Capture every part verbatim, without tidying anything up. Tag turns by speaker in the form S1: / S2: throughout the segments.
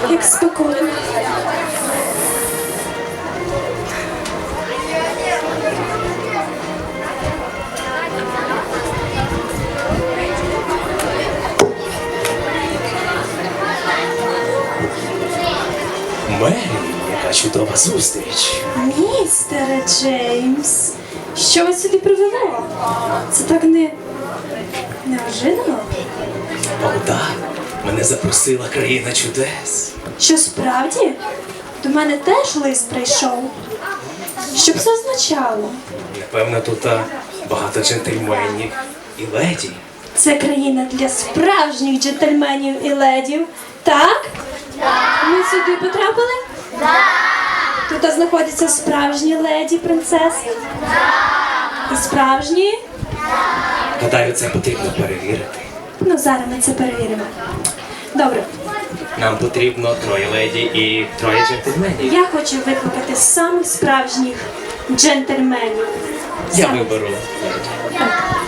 S1: як спекотно.
S2: Мері, яка чудова зустріч.
S1: Містере Джеймс, що вас сюди привело? Це так не... неожиданно?
S2: О, так, мене запросила країна чудес.
S1: Що справді? До мене теж лист прийшов. Що б це означало?
S2: Напевно, тут а, багато джентльменів і леді.
S1: Це країна для справжніх джентльменів і ледів, так? Так. Ми сюди потрапили? Так. Тут знаходяться справжні леді, принцеси? Так. І справжні?
S2: Гадаю, це потрібно перевірити.
S1: Ну, зараз ми це перевіримо. Добре.
S2: Нам потрібно троє леді і троє джентльменів.
S1: Я хочу викликати самих справжніх джентльменів.
S2: Я
S1: Сам-
S2: виберу леді.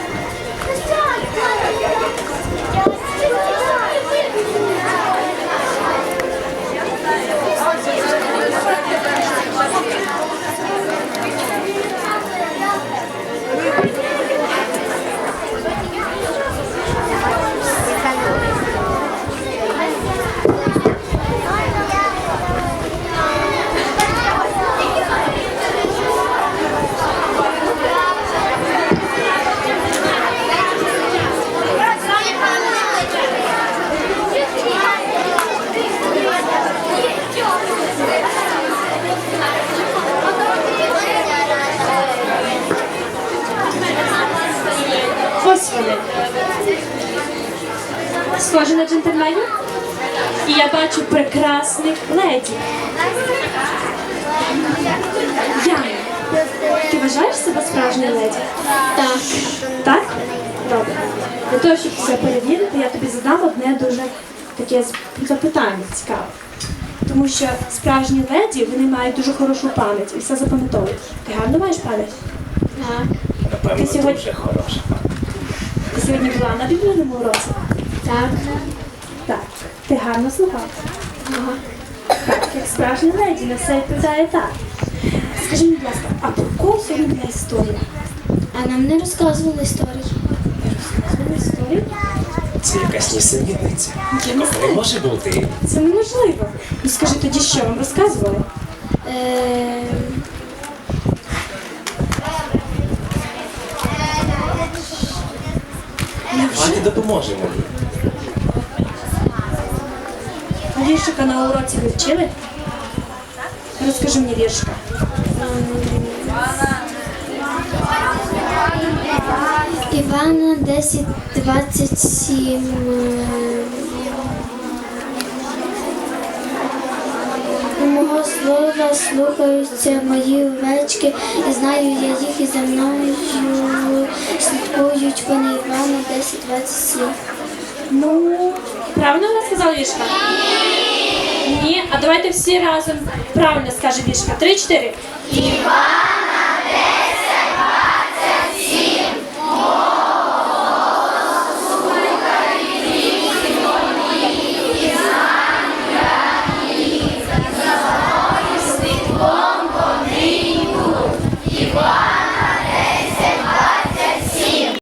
S1: Ось вони. Схожі на джентльменів? І я бачу прекрасних леді. Яна, ти вважаєш себе справжньою леді? Так. Так? Добре. Для того, щоб це перевірити, я тобі задам одне дуже таке запитання цікаве. Тому що справжні леді, вони мають дуже хорошу пам'ять і все запам'ятовують. Ти гарно маєш пам'ять? Так.
S2: Напевно,
S1: Ти сьогодні-
S2: дуже хороша.
S1: Ти сьогодні була на біблійному уроці? Так. Так. Ти гарно слухав? Ага. Так, як справжня леді, на все відповідає так. Скажи мені, будь ласка, а про кого сьогодні була історія?
S3: А нам не розказували історії.
S1: Це історія?
S2: Це якась нісенітниця.
S1: Я не
S2: Такого не може бути.
S1: Це неможливо. Ну скажи тоді, що вам розказували?
S3: Е,
S2: Давайте допоможемо їй.
S1: А віршика на уроці ви вчили? Розкажи мені віршика.
S3: Івана десять двадцять сім. Мого слова слухаються мої овечки, і знаю я їх, і за мною слідкують вони. Івана десять двадцять сім.
S1: Ну, правильно вона сказала віршика? Ні. А давайте всі разом правильно скаже віршика. Три-чотири.
S3: Івана